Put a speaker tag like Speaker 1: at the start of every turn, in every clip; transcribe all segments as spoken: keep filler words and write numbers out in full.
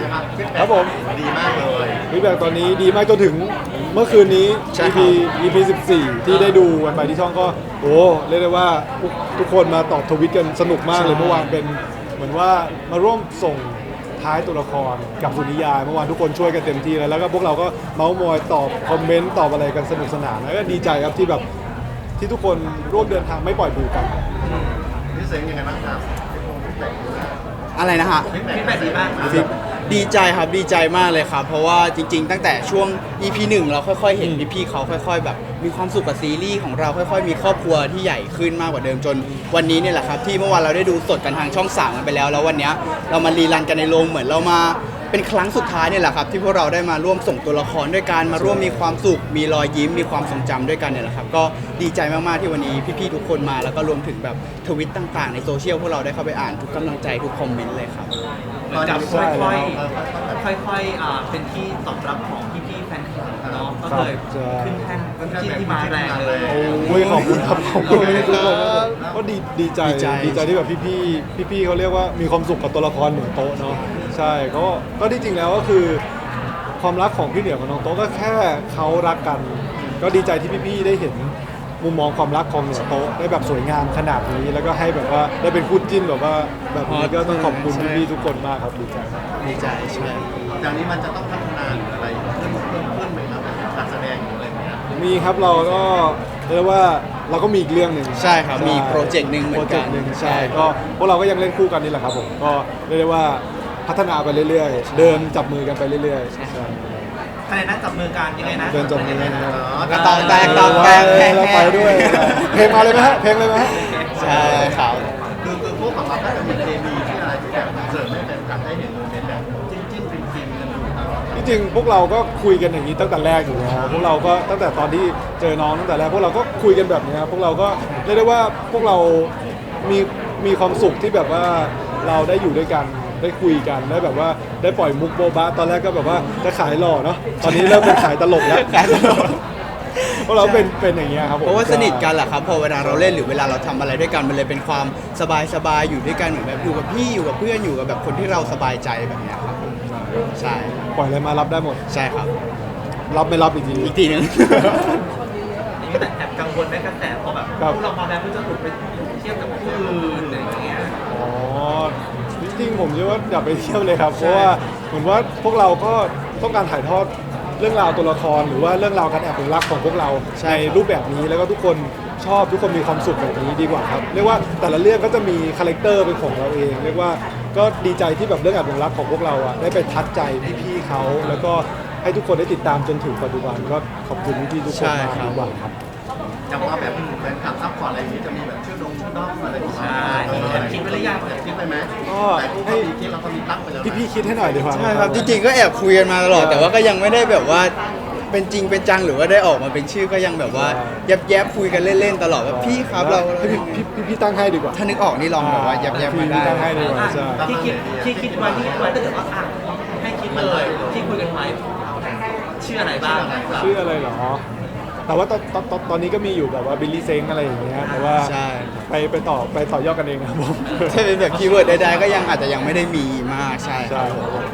Speaker 1: ยังไงบ้าง
Speaker 2: ครับผม
Speaker 1: ดีมากเลย
Speaker 2: ฟีดแบ็กตอนนี้ดีมากจนถึงเมื่อคืนนี้
Speaker 3: ใช่
Speaker 2: อี
Speaker 3: ครั
Speaker 2: พี
Speaker 3: บ
Speaker 2: อี พี สิบสี่ ที่ได้ดูกันไปที่ช่องก็โอ้เรียกได้ว่าทุกทุกคนมาตอบทวิตกันสนุกมากเลยเมื่อวานเป็นเหมือนว่ามาร่วมส่งท้ายตัวละครกับสุนิยายเมื่อวานทุกคนช่วยกันเต็มที่แล้วแล้วก็พวกเราก็เมาส์มอยตอบคอมเมนต์ตอบอะไรกันสนุกสนานแล้วก็ดีใจครับที่แบบที่ทุกคนร่วมเดินทางไม่ปล่อยบูกัน
Speaker 1: พี่เซ็งยังไงบ้างครับพี่พงศ์พี่แตก
Speaker 3: อะไรนะฮะ
Speaker 1: พี่แตกพี่แตกดีมากนะ
Speaker 3: ดีใจครับดีใจมากเลยครับ เพราะว่าจริง ๆ ตั้งแต่ช่วง อี พี หนึ่งเราค่อยๆ เห็นพี่ๆเขาค่อย ๆ แบบมีความสุขกับซีรีส์ของเราค่อย ๆ มีครอบครัวที่ใหญ่ขึ้นมากกว่าเดิมจนวันนี้เนี่ยแหละครับที่เมื่อวานเราได้ดูสดกันทางช่องสามกันไปแล้วแล้ววันเนี้ยเรามารีรันกันในโรงเหมือนเรามาเป็นครั้งสุดท้ายเนี่ยแหละครับที่พวกเราได้มาร่วมส่งตัวละครด้วยกันมาร่วมมีความสุขมีรอยยิ้มมีความทรงจำด้วยกันเนี่ยแหละครับก็ดีใจมากๆที่วันนี้พี่ๆทุกคนมาแล้วก็รวมถึงแบบทวิตต่างๆในโซเชียลพวกเราได้เข้าไปอ่านทุกกำลังใจทุกคอมเมนต์เลยครับ
Speaker 4: เหมือนกับค่อยๆ ค่อยๆ อ่า เป็นที่ตอบรับของพี่ๆ แฟนคลับเนาะ ก็เลยขึ้นแท่นที่ที่มาแรงเลย
Speaker 2: โอ้ยขอบคุณครับขอบคุณทุกคนก็ดีดีใจ
Speaker 3: ดีใจ
Speaker 2: ดีใจที่แบบพี่ๆพี่ๆเขาเรียกว่ามีความสุขกับตัวละครหนึ่งโต๊ะเนาะใช่ก็ก็ที่จริงแล้วก็คือความรักของพี่เหนือกับน้องโต๊ะก็แค่เขารักกัน ก็ดีใจที่พี่ๆได้เห็นมุมมองความรักของเหนือโต๊ะได้แบบสวยงามขนาดนี้แล้วก็ให้แบบว่าได้เป็นคู่จิ้นแบบว่าแบบนี้ก็ต้องขอบคุณพี่ๆทุกคนมากครับดีใจมาก
Speaker 3: ดีใจใช่
Speaker 1: จากนี้มันจะต้องพัฒนาหรืออะไรเพิ่มเพิ่มขึ้นไหมครับการแสดงหรืออะไรอย่างเงี้ย
Speaker 2: มีครับเราก็เรียกว่าเราก็มีอีกเรื่องหนึ่ง
Speaker 3: ใช่ครับมีโปรเจกต์หนึ่งเหมือนกัน
Speaker 2: โปรเจกต์หนึ่งใช่ก็พวกเราก็ยังเล่นคู่กันนี่แหละครับผมก็เรียกได้ว่าพัฒนาไปเรื่อยๆ เดินจับมือกันไปเรื่อยๆใช่
Speaker 4: ใครนะจับมือกันยังไงนะ
Speaker 2: เดินจับมือกัน
Speaker 1: อ๋อ
Speaker 3: ก็ตองแตกตองแตก
Speaker 2: เออแล้วไปด้วยเพลงมาเลยไหมฮะเพลงเลยไหมฮะ
Speaker 3: ใช่ครับ
Speaker 1: คือคือพวกของเราก็จะมีเคมีที่อะไรที่แบบเสริมให้แฟนคลับได้เห็นโมเมนต์แบบจิ้นจิ้นฟินฟินกันอยู่ตลอด
Speaker 2: ที่จริงพวกเราก็คุยกันอย่างนี้ตั้งแต่แรกอยู่แล้วพวกเราก็ตั้งแต่ตอนที่เจอน้องตั้งแต่แรกพวกเราก็คุยกันแบบนี้ครับพวกเราก็เรียกได้ว่าพวกเรามีมีความสุขที่แบบว่าเราได้อยู่ด้วยกันได้คุยกันได้แบบว่าได้ปล่อยมุกโบบะตอนแรกก็แบบว่าจะขายหล่อเนาะตอนนี้เริ่มเป็นขายตลกแล้ว
Speaker 3: ขายตลก
Speaker 2: พวกเราเป็นเป็นอย่างเงี้ยครับผม
Speaker 3: เพราะว่าสนิทกันแหละครับพอเวลาเราเล่นหรือเวลาเราทำอะไรด้วยกันมันเลยเป็นความสบายสบายๆอยู่ด้วยกันเหมือนแบบอยู่กับพี่อยู่กับเพื่อนอยู่กับแบบคนที่เราสบายใจแบบเนี้ยครับผมใช่
Speaker 2: ปล่อยอะไรมารับได้หมด
Speaker 3: ใช่ครับ
Speaker 2: รับไม่รับอีกที
Speaker 3: อีกทีหนึง
Speaker 4: นี่แต่แอบกังวลไหมกระแสพอแบบ
Speaker 2: ครับ
Speaker 4: พวกเรามาแล้วเพื่อจะถูกไปเทียบกับผู้อื่นอะไรอย่างเงี้ย
Speaker 2: อ๋อจริงๆผมเชื่อว่าอย่าไปเที่ยวเลยครับเพราะว่าเหมือนว่าพวกเราก็ต้องการถ่ายทอดเรื่องราวตัวละครหรือว่าเรื่องราวการแอบรักของพวกเรา
Speaker 3: ใช่
Speaker 2: ในรูปแบบนี้แล้วก็ทุกคนชอบทุกคนมีความสุขแบบนี้ดีกว่าครับเรียกว่าแต่ละเรื่องก็จะมีคาแรคเตอร์เป็นของเราเอง เรียกว่าก็ดีใจที่แบบเรื่องแอบรักของพวกเราอ่ะได้ไปทัดใจพี่ๆเขาแล้วก็ให้ทุกคนได้ติดตามจนถึงปัจจุบันก็ขอบคุณพี่ๆทุกคน
Speaker 3: ใช่
Speaker 2: มาก
Speaker 3: ครับ
Speaker 2: ดีกว่าครับ
Speaker 1: จะว่าแบบแฟนคลับซัพพอร์ตอะไรอย่างนี้จะมีแบบชื่อดงชื่อด้อมอะไรของเรา
Speaker 4: ใช่แอบคิดไว้หรือยัง
Speaker 1: แอบคิดไปไหม
Speaker 2: ก็
Speaker 1: แต่พวก
Speaker 2: ให้
Speaker 1: เขามีคิดเราก็มีตั้งไปแล้วนะ
Speaker 2: พี่ๆคิดให้หน่อยดีกว่า
Speaker 3: ใช่ครับจริงๆก็แอบคุยกันมาตลอดแต่ว่าก็ยังไม่ได้แบบว่าเป็นจริงเป็นจังหรือว่าได้ออกมาเป็นชื่อก็ยังแบบว่าแยบแยบๆคุยกันเล่นๆตลอดแบบพี่ครับเรา
Speaker 2: ให้พี่พี่พี่พี่ตั้งให้ดีกว่า
Speaker 3: ถ้านึกออกนี่ลองแบบว่าแยบแยบๆมาได้
Speaker 2: พี่ตั้งให้ดีกว่า
Speaker 4: อ่ะ
Speaker 2: ใช่
Speaker 4: ที่คิดที่คิดไว้ที่คิดไว้ถ้าเกิดว่าอ่ะให้คิดเลยที่คุยกันไว้ชื่ออะไรบ้าง
Speaker 2: ชื่ออะไรเหรอ แต่ว่าตอนตอนตอนตอนนี้ก็มีอยู่แบบว่าบิลลี่เซ้งอะไรอย่างเงี้ย แต่ว่า
Speaker 3: ใช่
Speaker 2: ไปไปต่อไปต่อยอดกันเองนะครับผม
Speaker 3: ถ้าเป็นแบบคีย์เวิร์ดใดๆก็ยังอาจจะยังไม่ได้มีมากใช่ค
Speaker 2: ใช่
Speaker 3: รับ
Speaker 2: ครับผม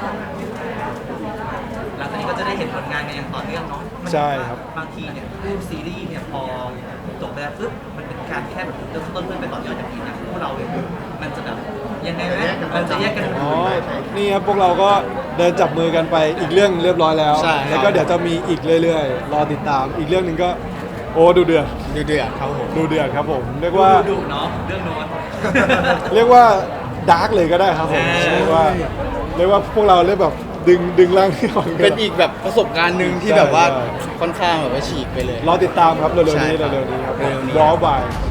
Speaker 4: หลังจากนี้ก็จะได้เห็นผลงานกันอย่างต่อเนื่องเนาะ
Speaker 2: ใช่ครับ
Speaker 4: บางทีเนี่ยรูปซีรีส์เนี่ยพอจบไปแล้วปุ๊บมันเป็นการแค่แบบเริ่มต้นเพื่อไปต่อยอดจากนี้นะพวกเราเนี่ยมันจะแบบยังไงไหมมันจะแยกกัน
Speaker 2: อ๋อ นี่ครับพวกเราก็เดินจับมือกันไปอีกเรื่องเรียบร้อยแล้ว
Speaker 3: ใช่ครับ
Speaker 2: แล้วก็เดี๋ยวจะมีอีกเรื่อยๆ รอติดตาม อีกเรื่องหนึ่งก็โอ้ดูเดือด
Speaker 3: ดูเดือดครับผม
Speaker 2: ดูเดือดครับผม เรียก
Speaker 4: ดู
Speaker 2: ว่า
Speaker 4: ดุเนาะเรื่องโน้น
Speaker 2: เรียกว่าดาร์กเลยก็ได้ครับผม
Speaker 4: ใช่
Speaker 2: เรียกว่าเรียกว่าพวกเราเรียกแบบดึงดึงร่างที่ออก
Speaker 3: เป็นอีกแบบประสบการณ์หนึ่งที่
Speaker 2: ใช่
Speaker 3: แบบว่า
Speaker 2: ใช่
Speaker 3: ค่อนข้างแบบว่าฉีกไปเลย
Speaker 2: รอติดตามครับเร็วๆ
Speaker 3: ใช่
Speaker 2: นี้
Speaker 3: ครับ
Speaker 2: เร็วๆนี้ครับ
Speaker 3: เร็วๆนี้
Speaker 2: รอบ่าย